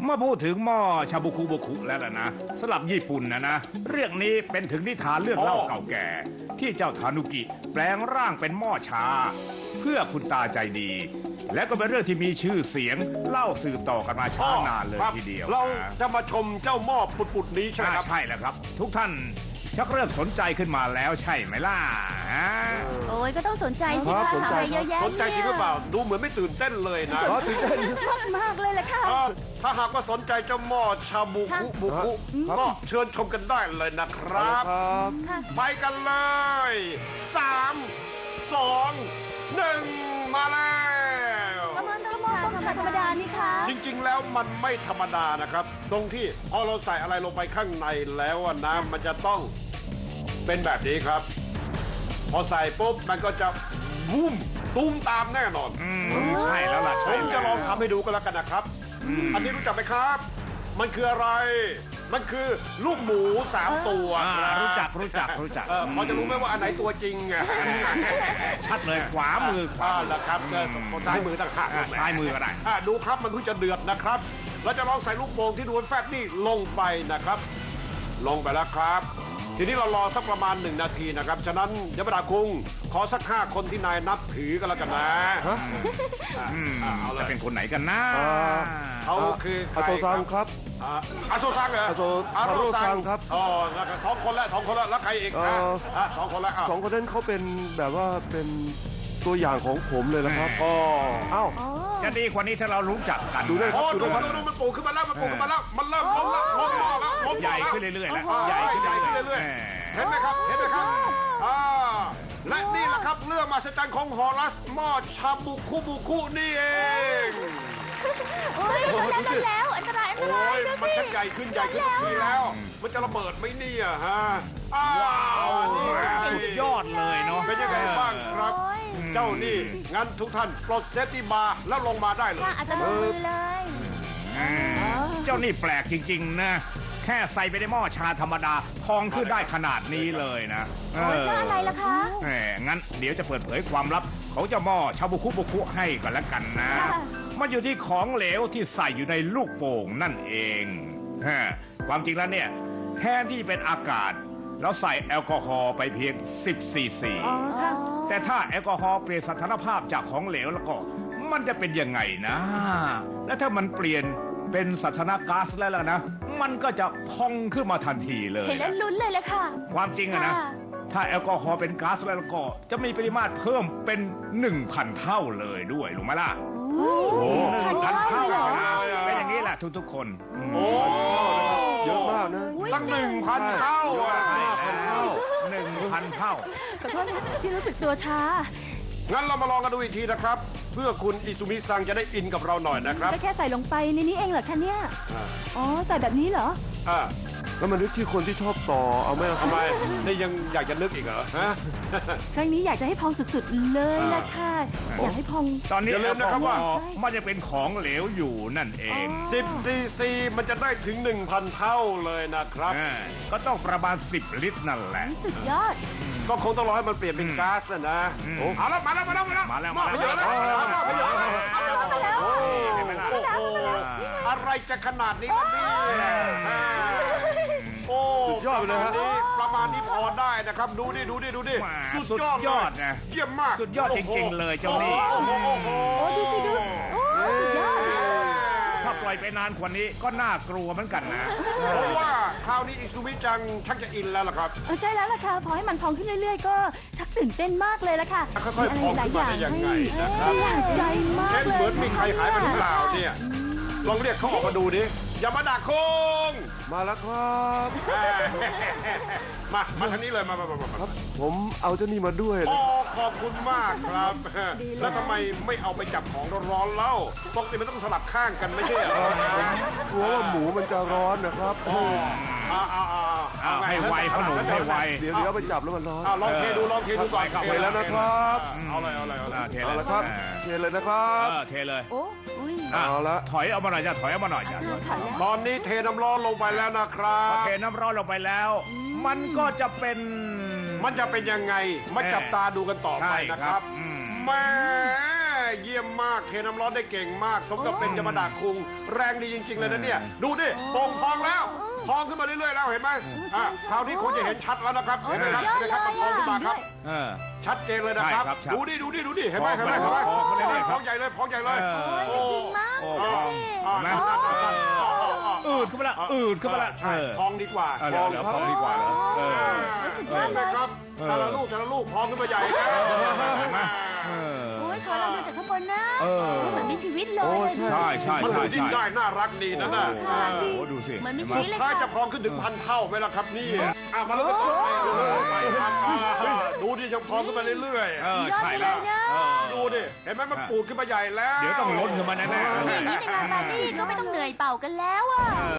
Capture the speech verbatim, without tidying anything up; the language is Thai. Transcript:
เมื่อพูดถึงหม้อชาบุคุบุคุแล้วล่ะนะสำหรับญี่ปุ่นนะนะเรื่องนี้เป็นถึงนิทานเรื่องเล่าเก่าแก่ที่เจ้าทานุกิแปลงร่างเป็นหม้อชาเพื่อคุณตาใจดีและก็เป็นเรื่องที่มีชื่อเสียงเล่าสืบต่อกันมาช้านานเลยทีเดียวเราจะมาชมเจ้าหม้อปุดๆนี้ใช่ไหมครับใช่แล้วครับทุกท่านชักเริ่มสนใจขึ้นมาแล้วใช่ไหมล่ะโอ้ยก็ต้องสนใจสิคะทำอะไรเยอะแยะสนใจจริงหรือเปล่าดูเหมือนไม่ตื่นเต้นเลยนะตื่นเต้นมากมากเลยแหละค่ะถ้าหากว่าสนใจเจ้าหม้อชาบุคุบุคุก็เชิญชมกันได้เลยนะครับไปกันเลยสามสองหนึ่งมาแล้วประมาณธรรมดาธรรมดานี่ค่ะจริงๆแล้วมันไม่ธรรมดานะครับตรงที่พอเราใส่อะไรลงไปข้างในแล้วน้ำมันจะต้องเป็นแบบนี้ครับพอใส่ปุ๊บมันก็จะบุ้มตุ้มตามแน่นอนใช่แล้วล่ะผมจะลองทำให้ดูกันแล้วกันนะครับอันนี้รู้จักไหมครับมันคืออะไรมันคือลูกหมูสามตัวรู้จักรู้จักรู้จักพอจะรู้ไหมว่าอันไหนตัวจริงอ่ะชัดเลยขวามือขวาแล้วครับซ้ายมือต่างหากซ้ายมือก็ได้ดูครับมันเพิ่งจะเดือดนะครับเราจะลองใส่ลูกโป่งที่ดูแฟบนี่ลงไปนะครับลงไปแล้วครับทีนี้เรารอสักประมาณหนึ่งนาทีนะครับฉะนั้นยมดาคุงขอสักห้าคนที่นายนับถือกันแล้วกันนะจะเป็นคนไหนกันนะเขาคืออาโซซังครับอาโซซังเหรออาโซซังครับอ๋อสองคนแล้วสองคนแล้วแล้วใครอีกสองคนแล้วสองคนนั้นเขาเป็นแบบว่าเป็นตัวอย่างของผมเลยนะครับอ๋อเอ้าจะดีกว่านี้ถ้าเรารู้จักกันดูได้ครับดูดูดูมันปูขึ้นมาแล้วมันปูขึ้นมาแล้วมันเริ่มล้มแล้วล้มแล้วล้มใหญ่ขึ้นเรื่อยๆแล้วใหญ่ขึ้นเรื่อยๆเห็นไหมครับเห็นไหมครับอ่าและนี่แหละครับเรื่องมหัศจรรย์ของฮอรัสหม้อชาบุคุบุคุนี่เองโอ้ยแล้วแล้วอันตรายอันตรายมันชักใหญ่ขึ้นใหญ่ขึ้นทุกทีแล้วมันจะระเบิดไหมเนี่ยฮะว้าวสุดยอดเลยเนาะเป็นยังไงบ้างครับเจ้านี่งั้นทุกท่านปลดเซฟตี้บาร์แล้วลงมาได้เลยอาจจะลงมือเลยเจ้านี่แปลกจริงๆนะแค่ใส่ไปในหม้อชาธรรมดาพองขึ้นได้ขนาดนี้เลยนะเอออะไรล่ะคะแหมงั้นเดี๋ยวจะเปิดเผยความลับของเจ้าหม้อชาบุคุบุคุให้ก่อนละกันนะมันอยู่ที่ของเหลวที่ใส่อยู่ในลูกโป่งนั่นเองฮะความจริงแล้วเนี่ยแทนที่เป็นอากาศแล้วใส่แอลกอฮอล์ไปเพียงสิบซีซีแต่ถ้าแอลกอฮอล์เปลี่ยนสถานภาพจากของเหลวแล้วก็มันจะเป็นยังไงนะและถ้ามันเปลี่ยนเป็นสถานะก๊าซแล้วล่ะนะมันก็จะพองขึ้นมาทันทีเลยเห็นแล้วลุ้นเลยแหละค่ะความจริงอะนะถ้าแอลกอฮอล์เป็นก๊าซแล้วก็จะมีปริมาตรเพิ่มเป็นหนึ่งพันเท่าเลยด้วยรู้ไหมล่ะโอ้หนึ่งพันเท่าเป็นอย่างนี้แหละทุกๆคนโอ้เยอะมากนะตั้งหนึ่งพันเท่าอ่ะหนึ่งพันเท่าขอโทษที่รู้สึกตัวช้างั้นเรามาลองกันดูอีกทีนะครับเพื่อคุณอิซุมิซังจะได้อินกับเราหน่อยนะครับก็แค่ใส่ลงไปในนี้เองเหรอคะเนี่ยอ๋อใส่แบบนี้เหรออ่าแล้วมันนึกที่คนที่ชอบต่อเอาไหมทำไมนี่ยังอยากจะนึกอีกเหรอฮะครั้งนี้อยากจะให้พองสุดๆเลยละค่ะอยากให้พองตอนนี้อย่าลืมนะครับว่ามันจะเป็นของเหลวอยู่นั่นเองสิบซีซีมันจะได้ถึงหนึ่งพันเท่าเลยนะครับก็ต้องประมาณสิบลิตรนั่นแหละสุดยอดก็คงต้องรอให้มันเปลี่ยนเป็นก๊าซนะเอาแล้วมาแล้วมาแล้วมาแล้วมาแล้วมาแล้วมาแล้วอะไรจะขนาดนี้กันนี่โอ้สุดยอดเลยฮะประมาณนี้พอได้นะครับดูดิดูดิดูดิสุดยอดนะเยี่ยมมากสุดยอดจริงๆเลยเจ้านี่โอ้ดูสิดูโอ้สุดยอดถ้าปล่อยไปนานกว่านี้ก็น่ากลัวเหมือนกันนะเพราะว่าคราวนี้อิซุมิจังชักจะอินแล้วล่ะครับใช่แล้วล่ะค่ะพอให้มันพองขึ้นเรื่อยๆก็ชักตื่นเต้นมากเลยล่ะค่ะค่อยๆพองขึ้นมาได้ยังไงนะครับอยากใจมากเลยเหมือนมีใครหายไปหรือเปล่าเนี่ยลองเรียกเขาออกมาดูดิยามาดาคงมาแล้วครับมามาทางนี้เลยมามามาครับผมเอาเจ้านี่มาด้วยอ๋อขอบคุณมากครับแล้วทำไมไม่เอาไปจับของร้อนๆเล่าปกติมันต้องสลับข้างกันไม่ใช่เหรอกลัวว่าหมูมันจะร้อนนะครับอ๋ออ่าอ่าอ่าให้ไวขนมให้ไวเดี๋ยวเดี๋ยวไปจับแล้วมันร้อนลองเทดูลองเทดูก่อนเทแล้วนะครับเอาเลยเอาเลยเอาเลยเทแล้วครับเทเลยนะครับเทเลยโอ้เอาละถอยเอามาหน่อยจ้ะถอยเอามาหน่อยจ้ะตอนนี้เทน้ำร้อนลงไปแล้วนะครับเทน้ำร้อนลงไปแล้วมันก็จะเป็นมันจะเป็นยังไงมาจับตาดูกันต่อไปนะครับแม่เยี่ยมมากเทน้ำร้อนได้เก่งมากสมกับเป็นยามาดาคุงแรงดีจริงๆเลยนะเนี่ยดูดิโป่งพองแล้วพองขึ้นมาเรื่อยๆแล้วเห็นไหมอ่ะคราวนี้คงจะเห็นชัดแล้วนะครับเห็นไหมครับเห็นไหมครับมันพองขึ้นมาครับเออชัดเจนเลยนะครับใช่ครับชัดดูดิดูดิดูดิเห็นไหมเห็นไหมเห็นไหมพองพองเรื่อยๆครับพองใหญ่เลยพองใหญ่เลยเออโอ้ยจริงมากโอ้ดูสิอ่าเห็นไหมอ่าอ่าอ่าอ่าอ่าอืดขึ้นมาละอืดขึ้นมาละใช่เออพองดีกว่าเออเดี๋ยวเดี๋ยวพองดีกว่าเหรอเออสุดเห็ยอดนไหเลมยครับเออแต่ละลูกแต่ละลูกพองขึ้นมาใหญ่นะเห็นไหมเออโอ้ยขอเราดูจากข้างบนนะเออเหมือนมีชีวิตเลยโอ้อะใช่ใช่ใช่มันใช่ดูดิ้นได้น่ารักดีนะน่ะโอ้โหค่ะโอ้โหดูสิเหมือนมีเห็นไหมชีวิตเลยถ้าค่ะจะพองขึ้นถึงพันเท่าไหมล่ะครับนี่อ่ะมาแล้วก็ไปครับอ่าดูดิจะพองขึ้นมาเรื่อยเออใช่แล้วเออๆดูดิเห็นไหมมันปูดขึ้นมาใหญ่แล้วเดี๋ยวต้องล้นขึ้นมาแน่ๆอย่างนี้ในงานปาร์ตี้ก็ไม่ต้องเหนื่อยเป่ากันแล้วอ่ะ